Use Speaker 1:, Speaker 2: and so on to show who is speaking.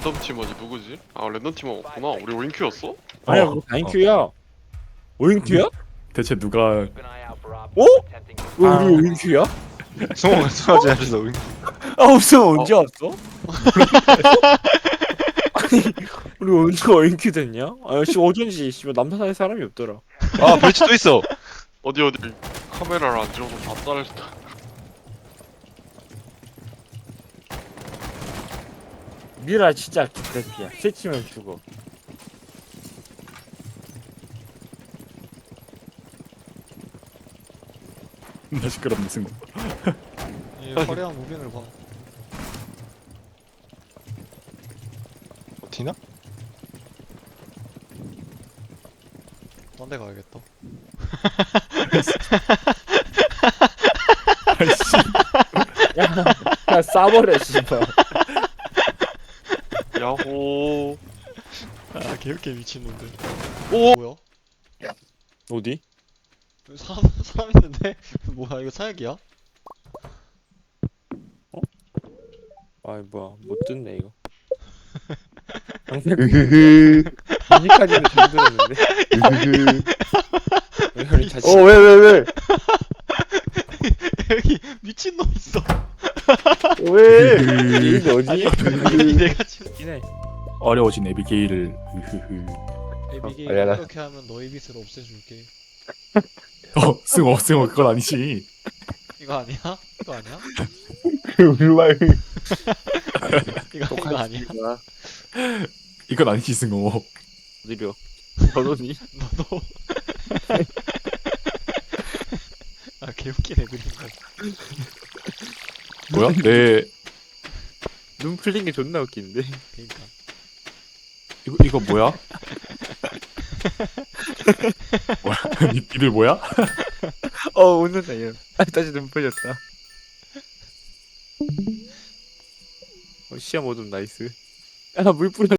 Speaker 1: 랜덤 팀원이 누구지? 아 랜덤 팀원 없구나. 우리 오인큐였어?
Speaker 2: 아니야 우리 9Q야 5인큐야?
Speaker 3: 대체 누가
Speaker 2: 어? 왜
Speaker 3: 아.
Speaker 2: 우리 5인큐야?
Speaker 4: 승호 승호지 않았어.
Speaker 2: 아 없어 언제 왔어? 아니 우리 언제 5인큐 됐냐? 아 역시 어쩐지 씨발 남산에 사람이 없더라.
Speaker 4: 아 브리치 또 있어.
Speaker 1: 어디 카메라를 안 찍어서 다 자를 수도.
Speaker 2: 미라 진짜 개새끼야. 새치면 죽어.
Speaker 3: 나 시끄럽네 승우.
Speaker 5: 이 화려한 무빙을 봐.
Speaker 4: 티나?
Speaker 5: 딴 데 가야겠다.
Speaker 3: 아이씨.
Speaker 2: 야 싸버려 씨발.
Speaker 1: 야호.
Speaker 5: 아 개웃게 미친놈들.
Speaker 1: 오!
Speaker 5: 뭐야?
Speaker 2: 어디?
Speaker 5: 여기 사람 있는데? 뭐야 이거 사약이야?
Speaker 2: 아 뭐야 못 듣네 이거.
Speaker 4: 으흐흐.
Speaker 2: 아직까지는 잘 들었는데.
Speaker 4: 으흐흐.
Speaker 2: 우리 다시.
Speaker 4: 왜?
Speaker 5: 여기 미친놈 있어.
Speaker 4: 왜?
Speaker 2: 이게 어디?
Speaker 5: 아니 내가 지금
Speaker 2: 이네.
Speaker 3: 어려워진 에비게일을. 으흐흐.
Speaker 5: 에비게일
Speaker 4: 알려라.
Speaker 5: 이렇게 하면 너의 빛을 없애줄게.
Speaker 3: 승우 그건 아니지.
Speaker 5: 이거 아니야? 이거 아니야?
Speaker 4: 울말.
Speaker 5: 이거 아니야?
Speaker 3: 이건 아니지 승우.
Speaker 2: 느려. 저놈이.
Speaker 5: 너도. 아 개웃기네 그림가.
Speaker 3: 뭐야? 내
Speaker 2: 눈 풀린 게 존나 웃긴데.
Speaker 5: 그러니까.
Speaker 3: 이거 뭐야? 뭐야? 니들 뭐야?
Speaker 2: 웃는다 얘. 아 다시 눈 풀렸다. 시야 모듬 나이스. 야물 뿌려.